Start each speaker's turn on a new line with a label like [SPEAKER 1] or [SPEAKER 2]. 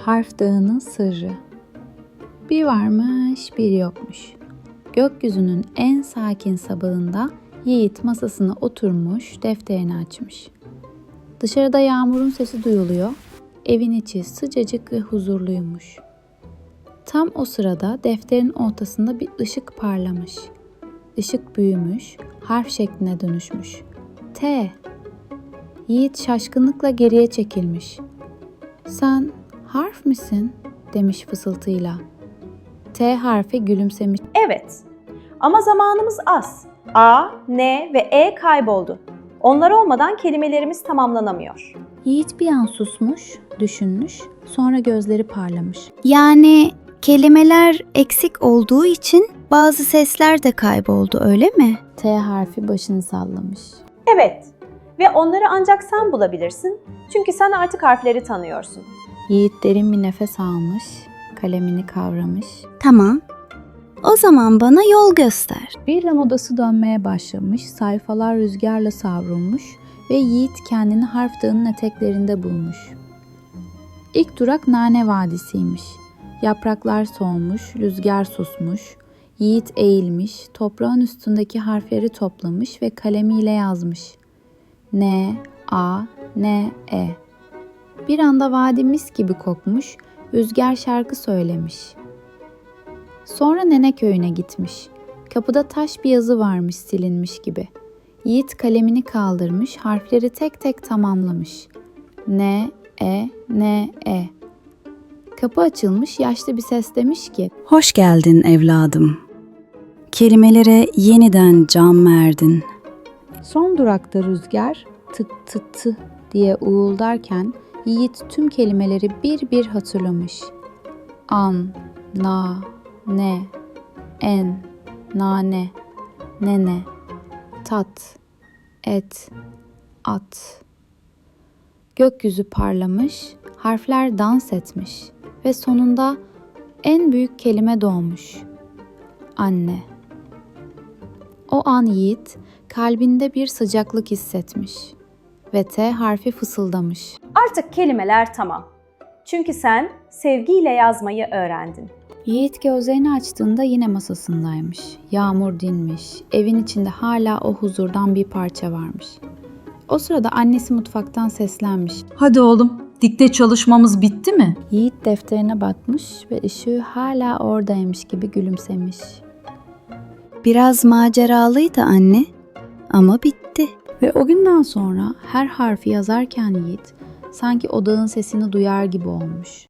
[SPEAKER 1] Harf Dağı'nın sırrı. Bir varmış, bir yokmuş. Gökyüzünün en sakin sabahında Yiğit masasına oturmuş, defterini açmış. Dışarıda yağmurun sesi duyuluyor, evin içi sıcacık ve huzurluymuş. Tam o sırada defterin ortasında bir ışık parlamış. Işık büyümüş, harf şekline dönüşmüş. T. Yiğit şaşkınlıkla geriye çekilmiş. "Sen harf misin?" demiş fısıltıyla. T harfi gülümsemiş.
[SPEAKER 2] Evet. Ama zamanımız az. A, N ve E kayboldu. Onlar olmadan kelimelerimiz tamamlanamıyor.
[SPEAKER 1] Yiğit bir an susmuş, düşünmüş, sonra gözleri parlamış.
[SPEAKER 3] Yani kelimeler eksik olduğu için bazı sesler de kayboldu, öyle mi?
[SPEAKER 1] T harfi başını sallamış.
[SPEAKER 2] Evet. Ve onları ancak sen bulabilirsin. Çünkü sen artık harfleri tanıyorsun.
[SPEAKER 1] Yiğit derin bir nefes almış, kalemini kavramış.
[SPEAKER 3] Tamam. O zaman bana yol göster.
[SPEAKER 1] Birden odası dönmeye başlamış, sayfalar rüzgarla savrulmuş ve Yiğit kendini Harf Dağı'nın eteklerinde bulmuş. İlk durak Nane Vadisi'ymiş. Yapraklar solmuş, rüzgar susmuş. Yiğit eğilmiş, toprağın üstündeki harfleri toplamış ve kalemiyle yazmış. N, A, N, E. Bir anda vadi mis gibi kokmuş, rüzgar şarkı söylemiş. Sonra Nene köyüne gitmiş. Kapıda taş bir yazı varmış silinmiş gibi. Yiğit kalemini kaldırmış, harfleri tek tek tamamlamış. N, E, N, E. Kapı açılmış, yaşlı bir ses demiş ki,
[SPEAKER 4] Hoş geldin evladım. Kelimelere yeniden can verdin.
[SPEAKER 1] son durakta rüzgar tık tık tı diye uğuldarken Yiğit tüm kelimeleri bir bir hatırlamış. An, na, ne, en, nane, nene, tat, et, at. Gökyüzü parlamış, harfler dans etmiş ve sonunda en büyük kelime doğmuş. Anne. O an Yiğit kalbinde bir sıcaklık hissetmiş ve T harfi fısıldamış.
[SPEAKER 2] Artık kelimeler tamam. Çünkü sen sevgiyle yazmayı öğrendin.
[SPEAKER 1] Yiğit gözlerini açtığında yine masasındaymış. Yağmur dinmiş. Evin içinde hala o huzurdan bir parça varmış. O sırada annesi mutfaktan seslenmiş.
[SPEAKER 5] Hadi oğlum, dikte çalışmamız bitti mi?
[SPEAKER 1] Yiğit defterine bakmış ve ışığı hala oradaymış gibi gülümsemiş.
[SPEAKER 3] Biraz maceralıydı anne ama bitti.
[SPEAKER 1] Ve o günden sonra her harfi yazarken Yiğit sanki odağın sesini duyar gibi olmuş.